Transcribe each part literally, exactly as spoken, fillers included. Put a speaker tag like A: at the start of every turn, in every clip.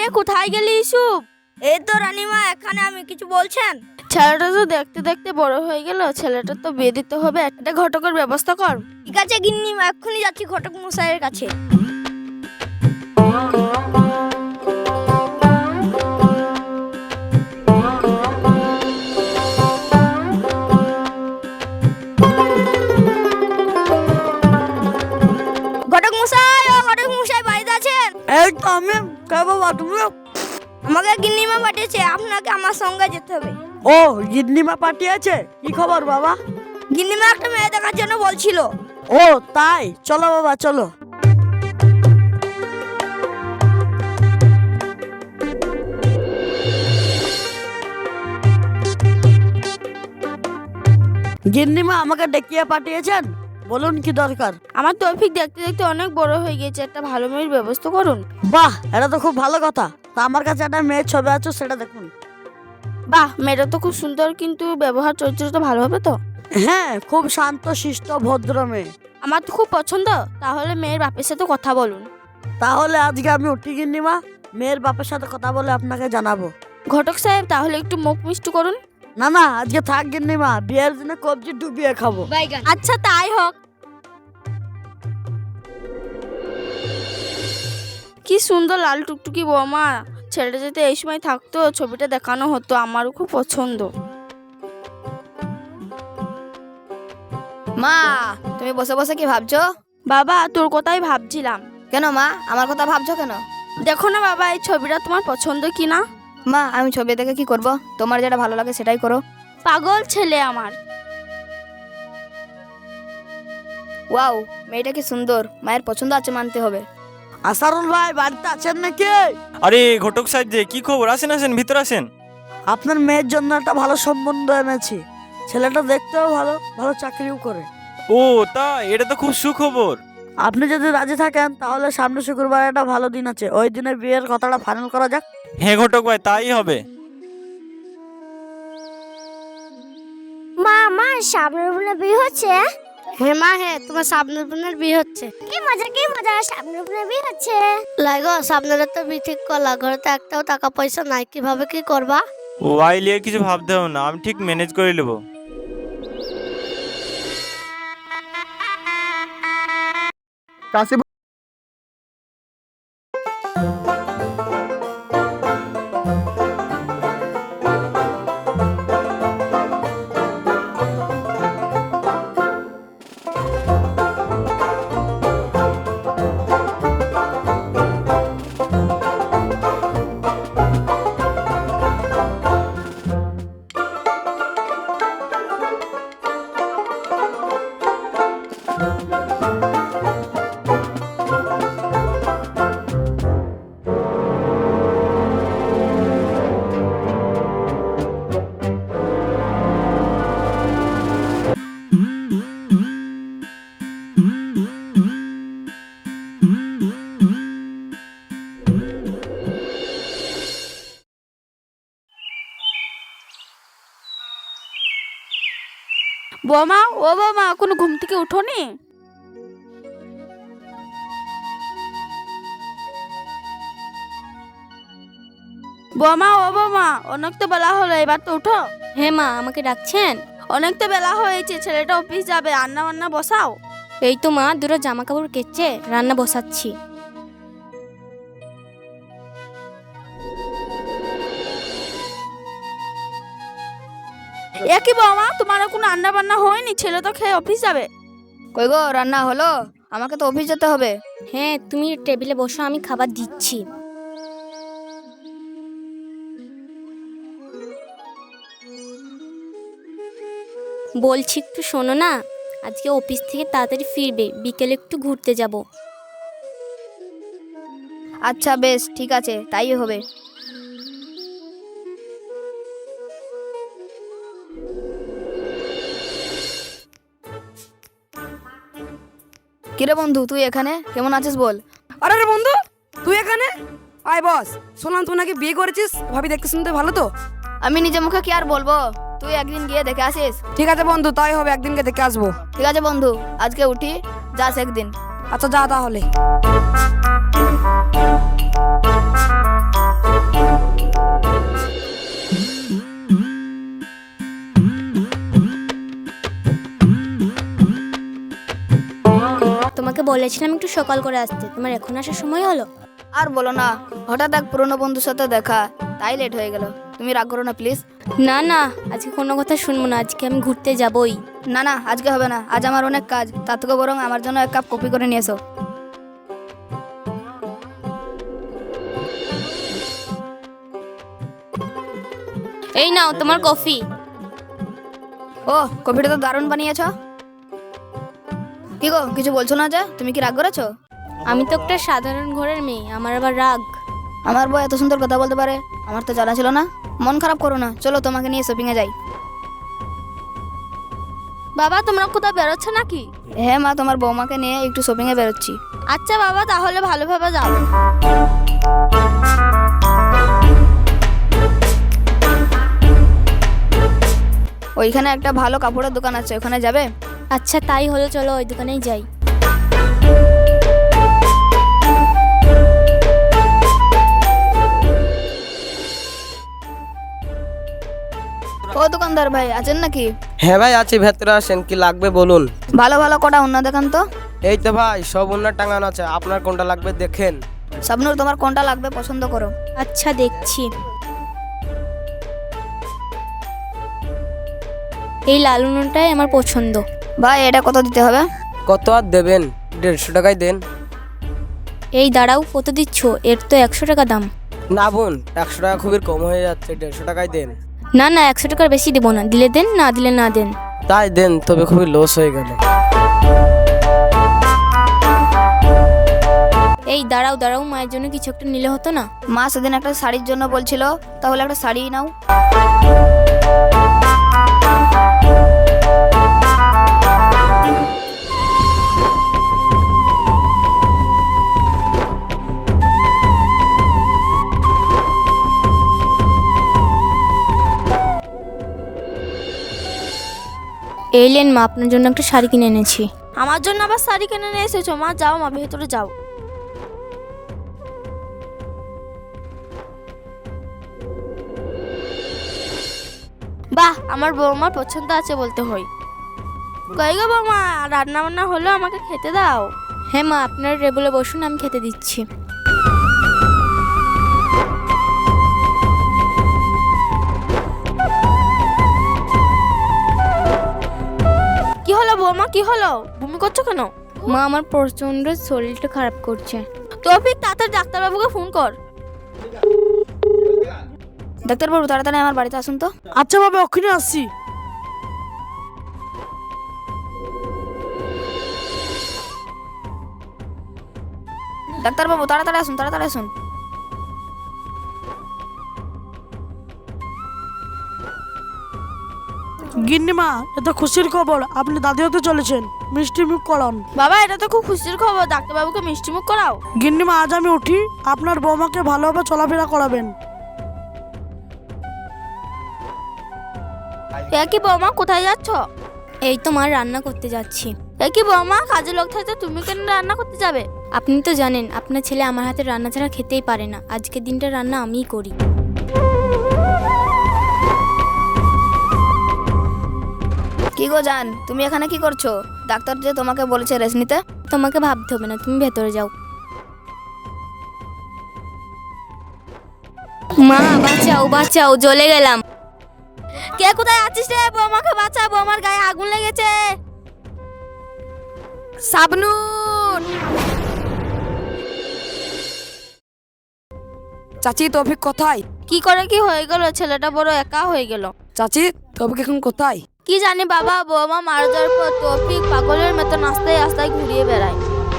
A: রে, কোথায় গেলি ইসুপ?
B: এই তো রানীমা, এখানে আমি কিছু বলছেন?
A: ছেলেটা তো দেখতে দেখতে বড় হয়ে গেল, ছেলেটা তো বিয়ে দিতে হবে, একটা ঘটকের ব্যবস্থা কর।
B: ঠিক আছে গিন্নিমা, এক্ষুনি যাচ্ছি ঘটক মশাইয়ের কাছে। ঘটক মশাই, ও ঘটক মশাই বাড়িতে আছেন?
C: এই তো আমি। কে বাবা তুমি?
B: আমাকে গিন্নিমা পাঠিয়েছে, আপনাকে আমার সঙ্গে যেতে হবে।
C: ও, গিন্নিমা পাঠিয়েছে? কি খবর বাবা?
B: গিন্নিমা একটা মেয়ে দেখার জন্য বলছিল।
C: ও তাই, চলো বাবা চলো। গিন্নিমা আমাকে ডেকিয়ে পাঠিয়েছেন, বলুন কি দরকার?
A: আমার তৌফিক দেখতে দেখতে অনেক বড় হয়ে গেছে, একটা ভালো মেয়ের ব্যবস্থা করুন।
C: বাহ, এটা তো খুব ভালো কথা। তা আমার কাছে একটা মেয়ের ছবি আছে, সেটা দেখুন।
A: বাহ, মেয়েটা তো খুব সুন্দর, কিন্তু ব্যবহার চরিত্রটা ভালো হবে তো?
C: হ্যাঁ, খুব শান্ত শিষ্ট ভদ্র মেয়ে।
A: আমার তো খুব পছন্দ। তাহলে মেয়ের বাপের সাথে কথা বলুন।
C: তাহলে আজকে আমি উঠি গিন্নিমা, মেয়ের বাপের সাথে কথা বলে আপনাকে জানাবো।
A: ঘটক সাহেব, তাহলে একটু মুখ মিষ্টি করুন।
C: না না, আজকে থাক গিন্নিমা, বিয়ের দিনে কবজি ডুবিয়ে খাবো।
A: আচ্ছা তাই হোক। কি সুন্দর লাল টুকটুকি বৌমা, ছেলেটা যদি এই সময় থাকতো, ছবিটা দেখানো হতো, আমারও খুব পছন্দ।
B: মা, তুমি বসে বসে কি ভাবছো?
A: বাবা, তোর কথাই ভাবছিলাম।
B: কেন মা, আমার কথা ভাবছো কেন?
A: দেখো না বাবা, এই ছবিটা তোমার পছন্দ কি না?
B: মা, আমি ছবি দেখে কি করব? তোমার যেটা ভালো লাগে সেটাই করো।
A: পাগল ছেলে আমার।
B: ওয়াও, মেয়েটা কি সুন্দর, মায়ের পছন্দ আছে মানতে হবে।
C: আসারুল ভাই বাড়িতে আছেন নাকি?
D: আরে ঘটক সাহেব যে, কি খবর? আসেন আসেন, ভিতরে আসেন।
C: আপনার মেয়ের জন্য একটা ভালো সম্বন্ধ এনেছি। ছেলেটা দেখতেও ভালো, ভালো চাকরিও করে।
D: ও তা, এটা তো খুব সুখবর।
C: আপনি যদি রাজি থাকেন তাহলে সামনে শুক্রবার একটা ভালো দিন আছে, ওই দিনে বিয়ের কথাটা ফাইনাল করা যাক।
D: হ্যাঁ ঘটক ভাই, তাই হবে।
E: মা, আমার সামনের বোনের বিয়ে হচ্ছে।
A: হ্যাঁ মা, হ্যাঁ, তোমার সামনের বোনের বিয়ে হচ্ছে।
E: কি মজা, কি মজা, সামনের বোনের বিয়ে হচ্ছে।
A: লাগো, সামনের তো বিয়ে ঠিক করলা, ঘরে তো একটাও টাকা পয়সা নাই, কিভাবে কি করবা?
D: ও আইলিয়ে কিছু ভাবতে হবে না, আমি ঠিক ম্যানেজ করে নেবো।
F: কাশি
A: বৌমা, ও বৌমা, কোনো ঘুম থেকে উঠোনি? বৌমা, ও বৌমা, অনেক তো বেলা হলো, এবার তো উঠো।
E: হ্যাঁ মা, আমাকে ডাকছেন?
A: অনেক তো বেলা হয়েছে, ছেলেটা অফিস যাবে, রান্না বান্না বসাও।
E: এই তো মা, দুটো জামা কাপড় কেচে রান্না বসাচ্ছি।
A: এ কি বৌমা, তোমার কোনো রান্না বান্না হয়নি? ছেলে তো খেয়ে অফিস যাবে।
B: কই গো, রান্না হলো? আমাকে তো অফিস যেতে হবে।
E: হ্যাঁ, তুমি টেবিলে বসো, আমি খাবার দিচ্ছি। বলছি একটু শোনো না, আজকে অফিস থেকে তাড়াতাড়ি ফিরবে, বিকেলে একটু ঘুরতে যাব।
B: আচ্ছা বেশ, ঠিক আছে, তাই হবে। কিরে বন্ধু, তুই এখানে কেমন আছিস বল?
G: আরে রে বন্ধু, তুই এখানে আয় বস। শুনলাম তুই নাকি বিয়ে করেছিস, ভাবি দেখতে শুনতে ভালো তো?
B: আমি নিজে মুখে কি আর বলবো, তুই একদিন গিয়ে দেখে আসিস।
G: ঠিক আছে বন্ধু, তাই হবে, একদিনকে দেখে আসবো।
B: ঠিক আছে বন্ধু, আজকে উঠি, যাস একদিন।
G: আচ্ছা যা তাহলে।
E: বলেছিলাম একটু সকাল করে আসতে, তোমার এখন আসার সময় হলো?
B: আর বলো না, হঠাৎ এক পুরনো বন্ধুর সাথে দেখা, তাই লেট হয়ে গেল। তুমি রাগ করো না প্লিজ।
E: না না, আজকে কোনো কথা শুনবো না, আজকে আমি ঘুরতে যাবই।
B: না না, আজকে হবে না, আজ আমার অনেক কাজ। তার থেকে বরং আমার জন্য এক কাপ কফি করে নিয়ে এসো।
E: এই নাও তোমার কফি।
B: ও, কফিটা তো দারুণ বানিয়েছ। কি গো, কিছু বলছো না যে? তুমি কি রাগ করেছো?
E: আমি তো একটা সাধারণ ঘরের মেয়ে, আমার আবার রাগ?
B: আমার বউ এত সুন্দর কথা বলতে পারে, আমার তো জানা ছিল না। মন খারাপ করো না, চলো তোমাকে নিয়ে শপিং এ যাই।
A: বাবা তোমরা কোথাও বেরোচ্ছ নাকি?
B: হ্যাঁ মা, তোমার বৌমাকে নিয়ে একটু শপিং এ বেরোচ্ছি।
A: আচ্ছা বাবা, তাহলে ভালোভাবে যাও।
B: ওইখানে একটা ভালো কাপড়ের দোকান আছে, ওখানে যাবে?
E: আচ্ছা তাই হলো, চলো ওই দোকানেই যাই।
B: ও দোকানদার ভাই, আছেন নাকি?
H: হ্যাঁ ভাই আছি, ভেতরে আসেন, কি লাগবে বলুন।
B: ভালো ভালো কটা অন্য দেখান তো।
H: এই তো ভাই সব উন্নত টাঙানো আছে, আপনার কোনটা লাগবে দেখেন।
B: শাবনূর, তোমার কোনটা লাগবে পছন্দ করো।
E: আচ্ছা দেখছি। এই লাল উনুনটাই আমার পছন্দ।
B: ভাই এটা কত দিতে হবে?
H: কত আর দেবেন? দেড়শো টাকায় দেন।
E: এই দাঁড়াও, কত দিচ্ছ? এর তো একশো টাকা দাম।
H: না বোন, একশো টাকা খুবই কম হয়ে যাচ্ছে, দেড়শো টাকায় দেন।
E: না না, একশো টাকার বেশি দেবো না, দিলে দেন, না দিলে না দেন।
H: তাই দেন, তবে খুবই লস হয়ে গেল।
E: এই দাঁড়াও দাঁড়াও, মায়ের জন্য কিছু একটা নিলে হতো না?
B: মা সেদিন একটা শাড়ির জন্য বলছিল, তাহলে একটা শাড়ি নাও।
E: এই লেন মা, আপনার জন্য একটা শাড়ি কিনে এনেছি।
A: আমার জন্য আবার শাড়ি কিনে নিয়ে এসেছো? মা যাও, মা ভেতরে যাও। বাহ, আমার বৌমার পছন্দ আছে বলতে হয়। কই গো বৌমা, রান্না বান্না হলো, আমাকে খেতে দাও।
E: হ্যাঁ মা, আপনার টেবিলে বসুন, আমি খেতে দিচ্ছি।
A: কি হলো বৌমা, কি হলো? বমি করছো কেন?
E: মা আমার প্রচন্ড শরীরটা খারাপ করছে।
A: তৌফিক, তাড়াতাড়ি ডাক্তারবাবুকে ফোন কর।
B: ডাক্তারবাবু তাড়াতাড়ি আমার বাড়িতে আসুন তো।
C: আচ্ছা বাবা, ওখানে আসছি।
B: ডাক্তারবাবু তাড়াতাড়ি আসুন, তাড়াতাড়ি আসুন।
C: গিন্নিমা, এত খুশির খবর, আপনি দাদি হতে চলেছেন, মিষ্টি মুখ করান।
A: বাবা, এটা তো খুব খুশির খবর, ডাক্তারবাবুকে মিষ্টি মুখ করাও।
C: গিন্নিমা, আজ আমি উঠি, আপনার বৌমাকে ভালোভাবে চলাফেরা করাবেন।
A: এ কি বৌমা, কোথায় যাচ্ছ?
E: এই তো মা, রান্না করতে যাচ্ছি।
A: এ কি বৌমা, কাজের লোক থাকতে তুমি কেন রান্না করতে যাবে?
E: আপনি তো জানেন আপনার ছেলে আমার হাতে রান্না ছাড়া খেতেই পারে না, আজকের দিনটা রান্না আমিই করি।
B: কি গো জান, তুমি এখানে কি করছো? ডাক্তার যে তোমাকে বলেছে রেস্ট নিতে।
E: তোমাকে ভাবতে হবে না, তুমি ভেতরে যাও। মা বাঁচাও বাঁচাও, জ্বলে গেলাম।
A: কে কোথায় আছিস রে? বৌমাকে বাঁচা, বৌমার গায়ে আগুন লেগেছে।
G: শাবনূর! চাচি, তৌফিক কোথায়?
A: কি করে কি হয়ে গেল? ছেলেটা বড় একা হয়ে গেল।
G: চাচি, তৌফিক এখন কোথায়?
A: কি জানি বাবা, বৌমা মারা যাওয়ার পর তৌফিক পাগলের মতো রাস্তায় রাস্তায় ঘুরিয়ে বেড়ায়।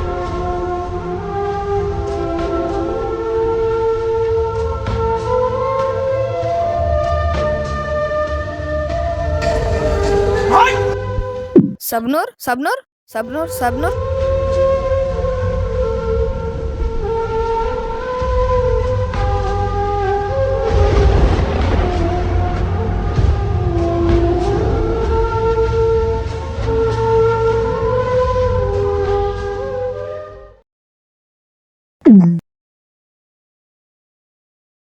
B: শাবনূর, শাবনূর, শাবনূর, শাবনূর।